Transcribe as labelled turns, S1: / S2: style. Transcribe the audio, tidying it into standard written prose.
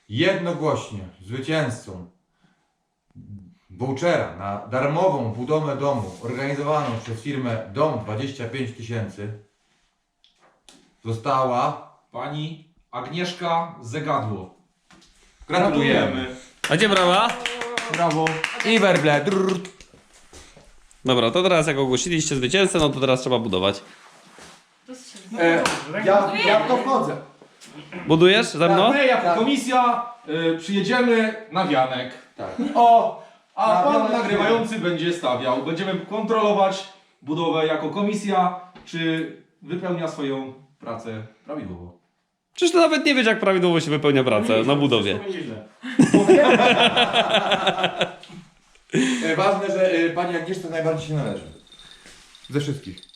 S1: jednogłośnie zwycięzcą vouchera na darmową budowę domu organizowaną przez firmę Dom 25 000 została...
S2: Pani Agnieszka Zegadło.
S1: Gratulujemy.
S3: A gdzie brawa?
S1: Brawo. I werble.
S3: Dobra, to teraz jak ogłosiliście zwycięzcę, no to teraz trzeba budować.
S4: Ja w to wchodzę.
S3: Budujesz ze mną?
S2: My jako komisja przyjedziemy na wianek.
S1: Tak.
S2: A
S4: Na
S2: pan
S4: wianek
S2: nagrywający będzie stawiał. Będziemy kontrolować budowę jako komisja, czy wypełnia swoją pracę prawidłowo.
S3: Przecież ty nawet nie wiesz, jak prawidłowo się wypełnia pracę na budowie.
S1: Ważne, że pani Agnieszce najbardziej się należy. Ze wszystkich.